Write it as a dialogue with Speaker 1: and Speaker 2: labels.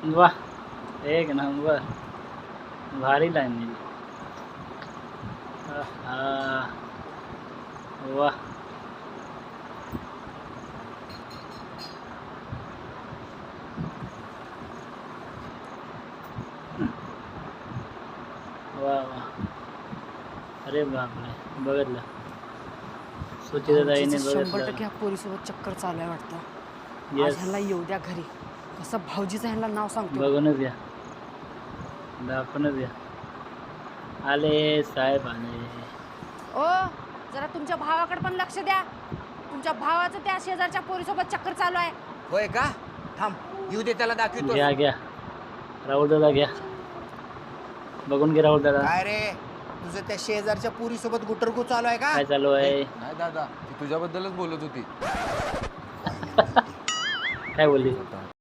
Speaker 1: वाह, एक नंबर, भारी लाईन दिली. आहा, वाह. वाह वाह. अरे बापरे, बघितलं सुचिताताईने
Speaker 2: भाऊजीचं 100%
Speaker 1: बघितलं.
Speaker 2: ह्या पोरीसोबत चक्कर चालू आहे वाटतं. आज
Speaker 1: येस,
Speaker 2: ह्याला येऊ द्या घरी. कसं भाऊजीचं ह्याला नाव सांगतो.
Speaker 1: बघूनच घ्या, दाखवूनच घ्या. आले साहेब आले.
Speaker 2: ओ जरा तुमच्या भावाकडे पण लक्ष द्या. तुमच्या भावाचं त्या शेजारच्या पोरीसोबत चक्कर चालू आहे.
Speaker 3: होय का? थांब येऊ दे त्याला दाखवतो.
Speaker 1: घ्या घ्या, राहुल दादा घ्या, बघून घे राहुल दादा.
Speaker 3: काय रे तुझं त्या शेजारच्या पुरी सोबत गुटरगु चालू आहे का?
Speaker 1: काय चालू आहे?
Speaker 4: नाही दादा ती तुझ्याबद्दलच बोलत होती.
Speaker 1: काय बोलली?